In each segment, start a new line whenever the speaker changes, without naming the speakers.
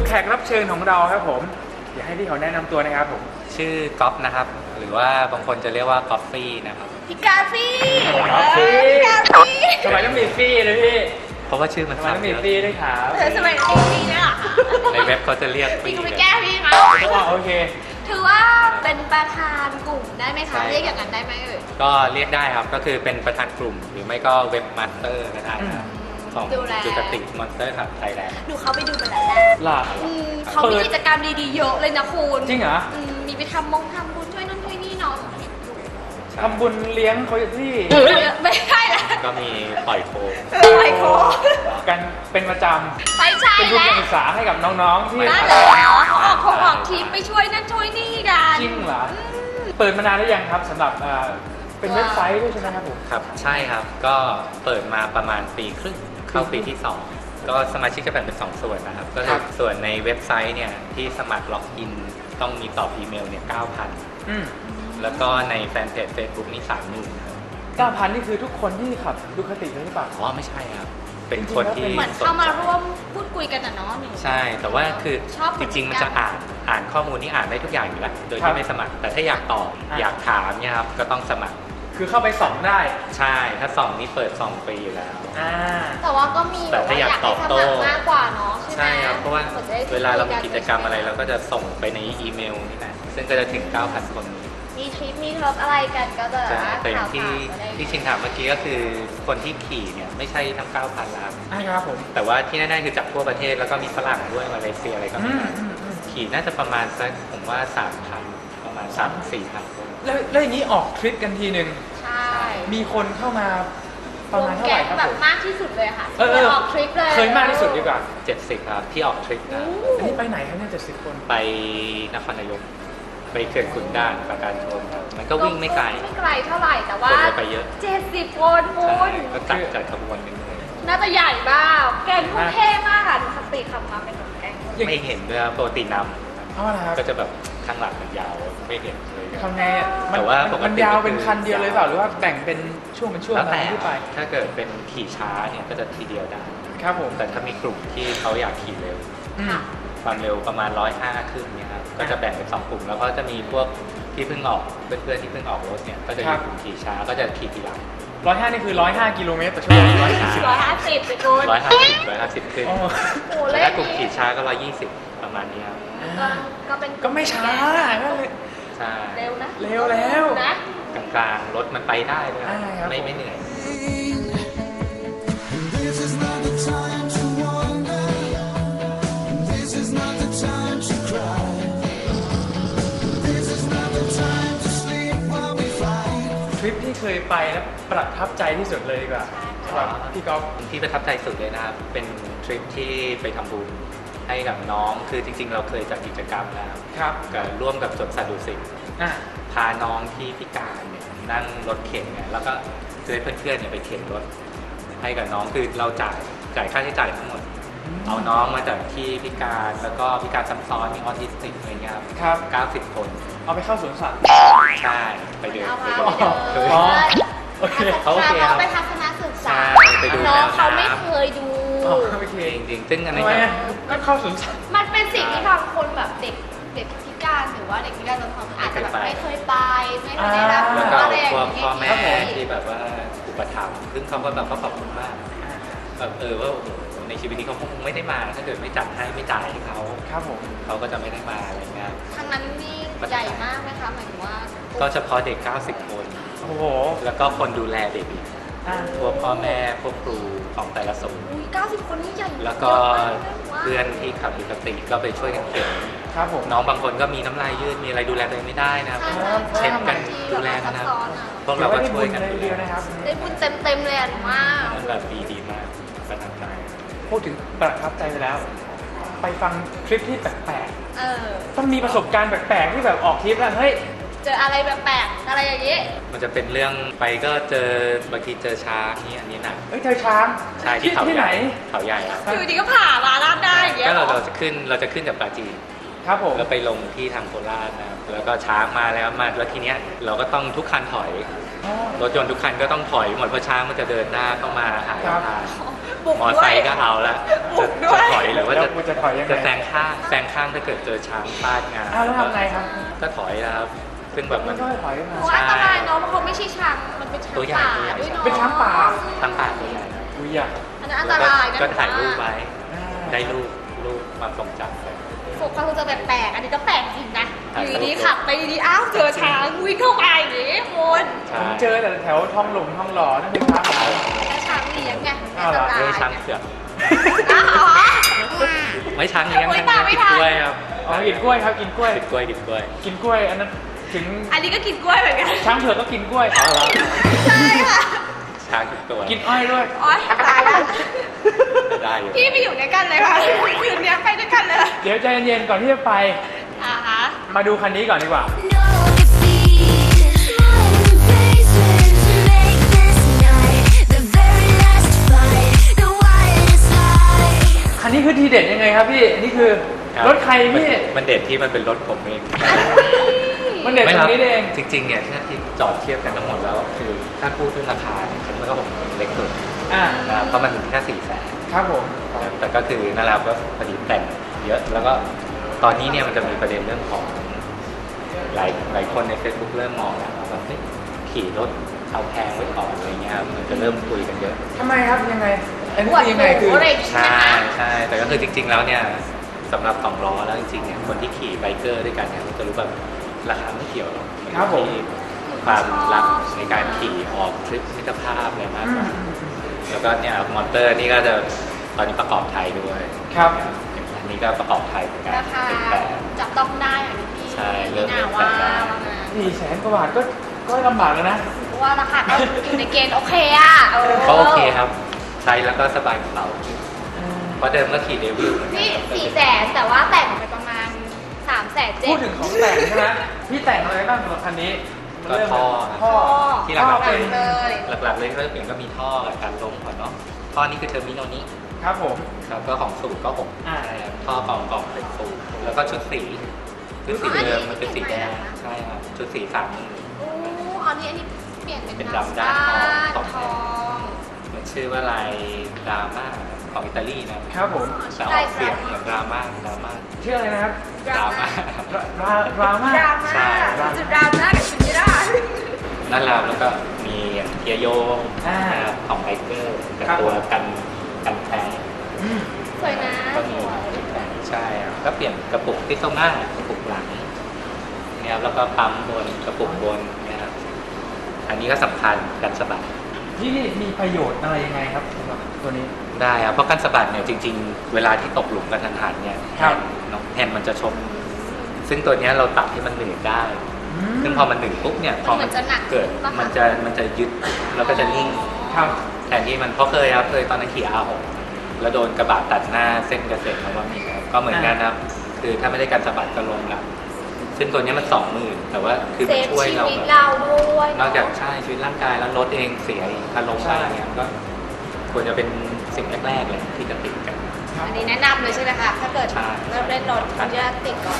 แขกรับเชิญของเราครับผมอยากให้พี่เขาแนะนำตัวนะครับผม
ชื่อก๊อฟนะครับหรือว่าบางคนจะเรียกว่าก๊อฟฟี่นะครับ
พี่กาฟี่
พี่กาฟี่ทำไมต้องมีฟี่เลยพี่
เพราะว่าชื่อมัน
ทำไมต้องมีฟี่ด้วยครับ
สมัยพี่เนี่ย
ในเว็บเขาจะเรียก
พี่
ฟี่
ก็ไปแก้พี่มา
โอเค
ถือว่าเป็นประธานกลุ่มได้ไหมคะเรียกอย่างนั้นได้ไหมเอ่ย
ก็เรียกได้ครับก็คือเป็นประธานกลุ่มหรือไม่ก็เว็บมาสเตอร์ก็ได้ครับของจุกติกมอนสเตอร์ครับไทยแลนด์
ดูเขาไปดูมาแล้ว
ล่ะ
เขามีกิจกรรมดีๆเยอะเลยนะคุณ
จริงเหรอ
มีไปทำบุญช่วยนั่นช่วยนี่เนาะ
ทำบุญเลี้ยงเขาที่
ไม่ใช่ละ
ก็มีปล่อยโคม
กันเป็นประจำ
ไม่ใช่
เป็นทุน
แล้ว
การศึกษาให้กับน้องๆที่
นั่นแหละเขาออกทีมไปช่วยนั่นช่วยนี่กัน
จริงเหรอเปิดมานานหรือยังครับสำหรับเป็นเว็บไซต์ด้วยใช่ไหมครับผม
ครับใช่ครับก็เปิดมาประมาณปีครึ่งเข้าปีที่2ก็สมาชิกจะแบ่งเป็น2ส่วนนะครับก็คือส่วนในเว็บไซต์เนี่ยที่สมัครล็อกอินต้องมีตอบอีเมลเนี่ย 9,000 แล้วก็ในแฟนเพจ Facebook นี่ 30,000 ครับ
9,000 นี่คือทุกคนที่ขับดูคติเลยหรือเปล่า
อ๋อไม่ใช่ครับเป็นคนที่
เหมือนเข้ามาร่วมพูดคุยกันนะเนาะ
ใช่แต่ว่าคือจริงๆมันจะอ่านข้อมูลนี่อ่านได้ทุกอย่างอยู่แล้วโดยที่ไม่สมัครแต่ถ้าอยากตอบอยากถามเนี่ยครับก็ต้องสมัคร
คือเข้าไปส่องได้
ใช่ถ้าส่องนี่เปิด2 ปีอยู่แล้ว
แต่ว่าก็มี
แต่ถ้าอยากตอบโต้
มากกว่าเนาะ
ใช่ครับเพราะว่าเวลาเรามีกิจกรรมอะไรเราก็จะส่งไปในอีเมลนี่แหละซึ่งก็จะถึง 9,000 คน
มีทริปมีเทิร์ฟอะไรกันก็จะ
แต่อย่างที่ชิงถามเมื่อกี้ก็คือคนที่ขี่เนี่ยไม่ใช่ทั้ง 9,000 ล้าน
ครับผม
แต่ว่าที่แน่ๆคือจากทั่วประเทศแล้วก็มีฝรั่งด้วยมาเลเซียอะไรก็มีขี่น่าจะประมาณสักผมว่า 3,000 ประมาณ 3-4,000 คน
แล้วอย่างนี้ออกทริปกันทีหนึ่ง
ใช่
มีคนเข้ามาประมาณเท่าไหร่ครับผม
มากที่สุดเลยค่ะออกทริปเลย
เคยมากที่สุดดีกว่า
70ครับที่ออกทริปนะ
อันนี้ไปไหนครับเนี่ย70 คน
ไปนครนายกไปเขื่อนขุนด่านปราการชนมันก็วิ่งไม่ไกล
เท่าไหร่แต่ว่า
คนไปเยอะ
70 คนคุณ
ก็จัดขบวนกันเลย
น่าจะใหญ่บ้าแกงทุ่เท่มากค่ะสติขับมาเป็นแกง
ไม่เห็นด้วยปกตินำก็จะแบบข้างหลังมันยาวไม่เห็นเลย
ทำไงแต่ว่ามันยาวเป็นคันเดียวเลยเปล่าหรือว่าแบ่งเป็นช่วงอะไรที่ไป
ถ้าเกิดเป็นขี่ช้าเนี่ยก็จะทีเดียวได้
ครับผม
แต่ถ้ามีกลุ่มที่เขาอยากขี่เร็วความเร็วประมาณ105ขึ้นเนี่ยครับก็จะแบ่งเป็น2 กลุ่มแล้วก็จะมีพวกที่เพิ่งออกเพื่อนๆที่เพิ่งออกรถเนี่ยก็จะอยู่กลุ่มขี่ช้าก็จะขี่ทีหลัง
105นี่คือ105 กิโลเมตรต่อชั่วโมง
150ไปกู
150ขึ้นแต่ถ้ากลุ่มขี่ช้าก็120ประมาณนี้ครับ
ก็
ไม่ช้า
ใช่
เร็วนะ
เร็วแล้ว
นะ
กลางๆรถมันไปได้เลยไม่เหนื่อย
ทริปที่เคยไปแล้วประทับใจที่สุดเลยดีกว่าสำหรับพี่ก๊อฟ
ที่ประทับใจสุดเลยนะครับเป็นทริปที่ไปทำบุญให้กับน้องคือจริงๆเราเคยจัดกิจกรรมนะครับกับร่วมกับสวนสัตว์ดุสิตพาน้องที่พิการเนี่ยนั่งรถเข็นเนี่ยแล้วก็ให้เพื่อนๆเนี่ยไปเข็นรถให้กับน้องคือเราจ่ายค่าใช้จ่ายทั้งหมดเอาน้องมาจากที่พิการแล้วก็พิการซ้ำซ้อนมีออทิสติกอะไรเงี้ย
ครับ
90 คน
เอาไปเข้าสวนสัตว์
ใช่ไปเดิน
โอเคเขาไปทัศนศึกษาน้องเขาไม่เคยดู
จริงๆซึ่งอันนี้
ก็เข้าสวนสัตว์
มันเป็นสิ่งที่บางคนแบบเด็กพิการหรือว่าเด็กพิการบางคนอาจจะแบบไม่เคยไปไม่เคยได้รับ
อะไรอย่างเงี้ยพ่อแม่ที่แบบว่าอุปถัมภ์ซึ่งเขาก็แบบขอบคุณมากแบบว่าในชีวิตนี้เขาคงไม่ได้มาถ้าเกิดไม่จัดให้ไม่จ่ายให้เขา
ครับผม
เขาก็จะไม่ได้มาอะไรเงี้ย
ครั้งนั้นนี่ใหญ่มากไหมคะหมายถึงว่า
ก็เฉพาะเด็ก90 คน
โอ้โห
แล้วก็คนดูแลเด็กอีกพวกพ่อแม่พวกครูของแต่ละศูนย์
90 คนนี่ใหญ่
แล้วก็เพื่อนที่ขับปกติก็ไปช่วยกันเข็น
ครับผม
น้องบางคนก็มีน้ำลายยืดมีอะไรดูแลตัวเองไม่ได้นะครับเช็ดกันดูแลนะครับพวกเราก็ช่วยกันดูแล
นะครับ
ได้บุญเต็มเลยอ่ะมาก
มันแบบดีมากประทับใจ
พูดถึงประทับใจไปแล้วไปฟังทริปที่แปลกๆต้องมีประสบการณ์แปลกๆที่แบบออกทริปแล้วเฮ้ย
เจออะไรแปลกๆอะไรอย่างนี้
มันจะเป็นเรื่องไปก็เจอบางทีเจอช้างนี่อันนี้นะ
เจอช้าง
ใช่ที่เขาใหญ่เขาใหญ่
อยู่ดีก็ผ่ามาลาดได้อย่างเงี้ย
ก็เราจะขึ้นจากปราจีน
ครับผม
แล้วไปลงที่ทางโคราชนะแล้วก็ช้างมาแล้วทีเนี้ยเราก็ต้องทุกคันถอยรถยนต์ทุกคันก็ต้องถอยหมดเพราะช้างมันจะเดินหน้าเข้ามาหาทาง
บุก
มอ
ด้ว
ไซ
ย
ค์ก็เอาละ
บุกด้วย
จะถอยหรือว่า
แล้ว
จะ
กูจะถอยยังไง
จะแซงข้างถ้าเกิดเจอช้างฟาดงา
อ้าวแล้วทำไงครับ
ก็ถอยนะครับซึ่งแบบ
มั
มัน น
ก็ถอยมา
โอ้อันตรายเนาะเพราะเขาไม่ใช่ช้างมันเป็นช้าง
ตัวใหญ่
ป่า
ตัวใหญ่
ด้วยเนาะ
เป็นช้างป่า
ทั้งป่าตัวใหญ่นะ
อุ้ยอยาก
อันนั้นอันตรายนะ
ก็ถ่ายรูปไว้
อ่า
ได้รูปความทรงจำไป
ปกติจะแปลกๆอันนี้ก็แปลกจริงนะ
ถ่าย
อยู่ดี
ตลกๆ
ๆขับไปดีๆอ้าวเจอช้างวิ่งเข้าไปอย่างนี้คุณ
ใช่
ผมเจอแต่แถวทองหลงทองหล่อนั่นเป็นช้างป่า
แล้วช้างเลี้ยงไง
อ้าวเหรอ
อันต
ไม่
ราย
ช้างเผือก
อ้าวเหรอ
ไม่ช้างเลี้ยง
โอ๊ย
ช้าง
ตามไม่
เลี้ยงกิน
ทัน
กล้วยครับ
อ๋อกินกล้วยครับกินกล้วย
กินกล้วยกินกล้วย
กินกล้วยอันนั้นถึง
อันนี้ก็กินกล้วยเหมือนกัน
ช้างเผือกก็กินกล้วย
เอาละ
ใช่ค่ะ
ช้างทุกตัว
กินอ้อยด้วย
โอ๊ยตายแล้ว
ได้อยู่
พี่ไปอยู่ด้วยกันเลยค่ะคืนนี้ไปด้วยกันเลย
เดี๋ยวใจเย็นๆก่อนที่จะไป
อ่าฮะ
มาดูคันนี้ก่อนดีกว่า
No defeat, smiling faces make this night the very last fight, the wildest high.
คันนี้คือทีเด็ดยังไงครับพี่อันนี้คือ
ครับ
รถใครพี่
มันเด็ดที่มันเป็นรถผมเอง
มันเด็ดตรงนี้เอง
จริงๆเนี่ยถ้าที่จอดเทียบกันทั้งหมดแล้วคือถ้าพูดด้วยราคาเนี่ยฉันว่าผมเล็กสุด
อ่า
นะครับเพราะมันถึงแค่400,000
ครับผม
แต่ก็คือนั่นแหละก็พอดีแต่งเยอะแล้วก็ตอนนี้เนี่ยมันจะมีประเด็นเรื่องของหลายคนใน Facebook เริ่มมองแล้วว่าแบบเฮ้ยขี่รถเอาแพงไว้ก่อนอะไรเงี้ยมันจะเริ่มคุยกันเยอะ
ทำไมครับยังไงอันนี้
ปวด
คือยังไง
หู
คือ
อะไรอย่างงี้ใช่
ใช่
ไหมคะ
ใช่แต่ก็คือจริง ๆแล้วเนี่ยสำหรับสองล้อแล้วจริงๆเนี่ยคนที่ขี่ไบเกอร์ด้วยกันเนี่ยมันจะรู้แบบราคาไม่เกี่ยวหรอกมันอยู่ที่ความรักในการขี่ออกทริปมิตรภาพอะไรมาก
อื
ก
ม
ว่าแล้วก็เนี่ยมอเตอร์นี่ก็จะตอนนี้ประกอบไทยด้วย
ครับ
อันนี้ก็ประกอบไทยเหมือนกัน
ราคา
เป็นแบบ
จับต้องได้อย่างที่
ใช่เริ่
พี่
ม
นา
เริ่ม
ว่า
แต่งได้
ว่ามา
400,000 กว่าบาทก็ลำบากแล้วนะ
เพราะว่าราคาก็อยู่ในเกณฑ์โอเคอ่ะ
ก็โอเคครับใช้แล้วก็สบายกระเป๋าเพราะเดิมก็ขี่เดวิล
นี่400,000แต่ว่าแต่งไปประมาณ300,000
พูดถึงของแต่งใช่ไหมพี่แต่งอะไรบ้างสำหรับคันนี้
ก็ท่อ
ท่อ
ที่หลักๆ
เป็
เป็น น
เลย
หลักๆเลยก็จะเปลี่ยนก็มีท่อกับการลมก่อนเนาะท่อนี้คือเทอร์มิโนนี้
ครับผม
ครับก็ของสูตรก็ผม
อ่า
ท่อกล่องเป็นสูตรแล้วก็ชุดสีเดิมมันเป็นสีแดงใช่ครับชุดสี30,000
โอ้อันนี้เปลี่ยนเป็น
เป็นดำด้านทอง
ทอง
มันชื่อว่าลายดราม่าของอิตาลีนะครับ
ผม
แต่ออกเสียงเหมือนดราม่า
ชื่ออะไรนะครับ
ดราม่า
ดราม่า
ดราม่า
ใช่
จุดดราม่ากับชุดไม่ได้
นั่นแหละแล้วก็มีเทียโย
อ่า
นะครับของไบเกอร์กับ
ครับ
ตัวกันแท้
อืม
สวยนะ
ก็
ส
มี
วย
ใช่ครับก็เปลี่ยนกระปุกที่ตรงหน้ากระปุกหลังเนี่ยครับแล้วก็ปั๊มบนกระปุกบนเนี่ยครับอันนี้ก็สำคัญกันสะบัด
พี่มีประโยชน์อะไรยังไงครับสำหรับตัวนี้
ได้ครับเพราะกันสะบัดเนี่ยจริง ๆ เวลาที่ตกหลุมกระทันหันเนี่ย
ครับ
แฮนด์มันจะชกซึ่งตัวเนี้ยเราตัดให้มันหนืดได้ ซึ่งพอมันหนึ่งปุ๊บเนี่ยพอ
มันเหมือนจะหนัก
เกิด
ปะคะ
มันจะยึดแล้วก็จะนิ่ง
ครับ
แทนที่มันเพราะเคยครับเคยตอนนั้นขี่R6แล้วโดนกระบะตัดหน้าเส้นเกษตรนวมินทร์ครับก็เหมือนกันนะครับคือถ้าไม่ได้การสะบัดก็ลงหลังซึ่งตัวเนี้ยมัน20,000แต่ว่าคือ
เซ
มัน
ฟ
ช่วย
ชี
เรา
วิต
แบบ
เราด้วย
นอกจากใช่ชีวิตร่างกายแล้วรถเองเสียอีกถ้าลงไปเนี่ยก็ควรจะเป็นสิ่งแรกๆเลยที่จะติดกัน
อันนี้แนะนำเลยใช่ไหมคะถ้าเกิด
ใช่
เริ่มเล่นรถคุณจะติดก่อน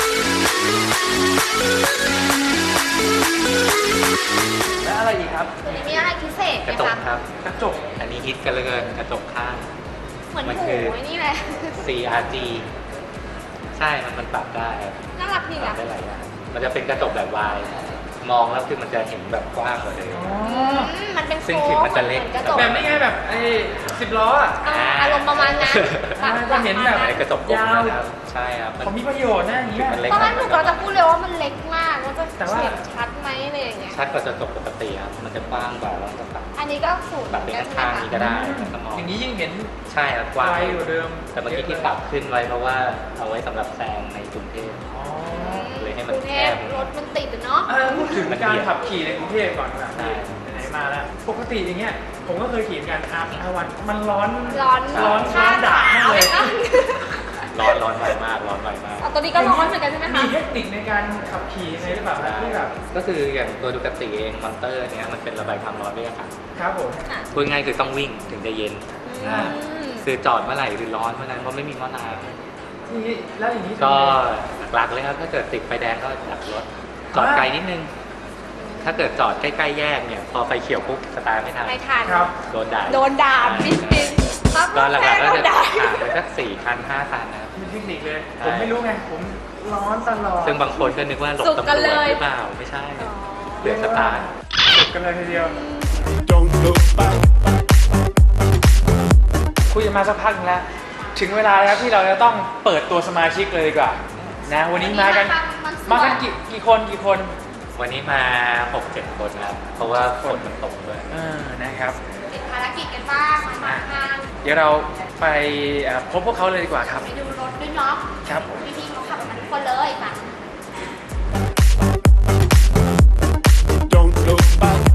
และอะไรอีกครับ
ตัวนี้มีอะไรพิเศษไห
ก
ม
ระจก
คะ
ครับ
กระจก
อันนี้ฮิตกันเหลยกระจกข้าง
เหมือน
มัน
หู
คือ
ไอ้นี่แหละ
CRG ใช่มันปรับได้ครับ
น่ารักดี
ปรั
อ่ะ
บได้หลายอย่างมันจะเป็นกระจกแบบวายมองแล้วคือมันจะเห็นแบบกว้างกว่าเดิม
มันเป็น
ซึ่ง
โค้
ถึ
ง
งมันจะเล็ก
หมือนกระจก
แบบนี้ไงแบบไอ้10 ล้ออ่ะ
อารมณ์ประมาณนั้น
จะเห็นแบบ
ไอ้กระจกกลมนะครับใช่ครับมัน
เขามีประโยชน์นะอย่างนี้
มันเล็ก
ตอนแรกหนูก็จะพูดเลยว่ามันเล็กมากว่าจะ
แต่ว่า
เห็นชัดไหมอะไรอย่างเงี้ย
ชัดกว่ากระจกปกติครับมันจะกว้างกว่าแล้วจะปรับ
อันนี้ก็สูตร
ปรับเป็น
กันใช่ไหม
ข้าง
คะ
ๆนี้ก็ได้แล้วก็มอง
อย่างนี้ยิ่งเห็น
ใช่ครับกว้าง
ไกลกว่าเดิม
แต่เมื่อกี้ที่ปรับขึ้นไว้เพราะว่าเอาไว้สำหรับแซงในกรุงเทพ
อ๋อ
เลยให้
ก
มัน
รุงเท
แค
พ
บ
รถมันติดอะเนาะ
พูดถึงการขับขี่ในกรุงเทพก่อนนะ
ใช่
ไหนๆมาแล้วปกติอย่างเงี้ยผมก็เคยขี่เหมือนกันR1มันร้อน
ร้อน
ร้อน
ข้าง
ด่ามากเลย
ขา
ร้อนไวมากร้อนไวมาก
เอาตัวนี้ก็ร้อนเหมือนกันใช่ไหม
มี
คะ
เทคนิคในการขับขี่ยังไงหรือเปล่าครับที่แบบ
ก็คืออย่างตัวดูกติเองมอนเตอร์เนี้ยมันเป็นระบายความร้อนด้วยอากาศ
ครับผม
ค่ะ
พูดง่ายคือต้องวิ่งถึงจะเย็น
อ่า
คือจอดเมื่อไหร่คือร้อนเมื่อนั้นเพราะไม่มีหม้อน้
ทีนี้แล้วอย่างนี้
ำก็หลักๆเลยครับถ้าเกิดติดไฟแดงก็ดับรถจอดไกลนิดนึง ถ้าเกิดจอดใกล้ๆแยกเนี่ยพอไฟเขียวปุ๊บสตาร์ทไม่ทัน
ไม่ทัน
ครับ
โดนด่า
โดนด่าปิ๊งปิ๊งต
ก็หลักๆก็จะหาไปสัก4 คัน 5 คันนะครับ
มีเทคนิคเลย ผมไม่รู้ไง ผมร้อนตลอด
ซึ่งบางคนก็นึกว่าหลบ
สุก
ตำร
กัน
วจ
เลย
หรือเปล่าไม่ใช่เหลือสตาร์ท
สุดกันเลยทีเดียว
Don't look back.
คุยกันมาสักพักหนึงแล้ว ถึงเวลาแล้วที่เราจะต้องเปิดตัวสมาชิกเลยดีกว่านะวันนี้มากันกี่คน
วันนี้มา 6-7 คนครับเพราะว่าฝนมันตกด้วย
นะครับ
ติดภารกิจกันบ้างมาทาง
เดี๋ยวเราไปพบพวกเขาเลยดีกว่าครับ
ไปดูรถด้วยเนาะ
ครับผม
พี่ๆเขาขับมาทุกคนเลยมา
Don't look back.